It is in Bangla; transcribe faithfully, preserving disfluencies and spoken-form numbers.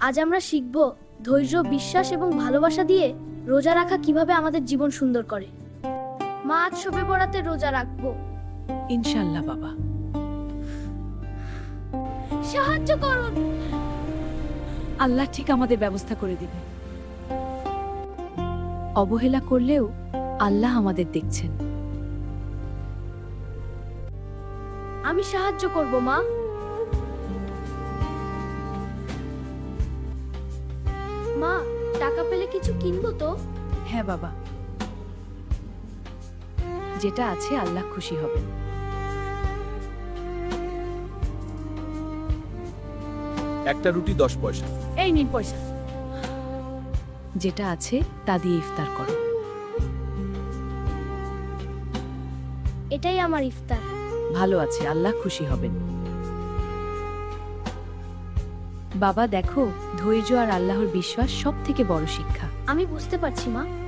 আজ আমরা শিখব ধৈর্য, বিশ্বাস এবং ভালোবাসা দিয়ে রোজা রাখা কিভাবে আমাদের জীবন সুন্দর করে। মা, আজ শবে বরাতে রোজা রাখবো। ইনশাল্লাহ বাবা। সাহায্য করুন। আল্লাহ ঠিক আমাদের ব্যবস্থা করে দিবে। অবহেলা করলেও আল্লাহ আমাদের দেখছেন। আমি সাহায্য করব মা। মা, টাকা পেলে কিছু কিনবো তো? হ্যাঁ বাবা, যেটা আছে আল্লাহ খুশি হবে। একটা রুটি দশ পয়সা। এই নিন পয়সা। যেটা আছে তা দিয়ে ইফতার করো। এটাই আমার ইফতার। ভালো আছে, আল্লাহ খুশি হবেন। বাবা দেখো, ধৈর্য আর আল্লাহর বিশ্বাস সব থেকে বড় শিক্ষা। আমি বুঝতে পারছি মা।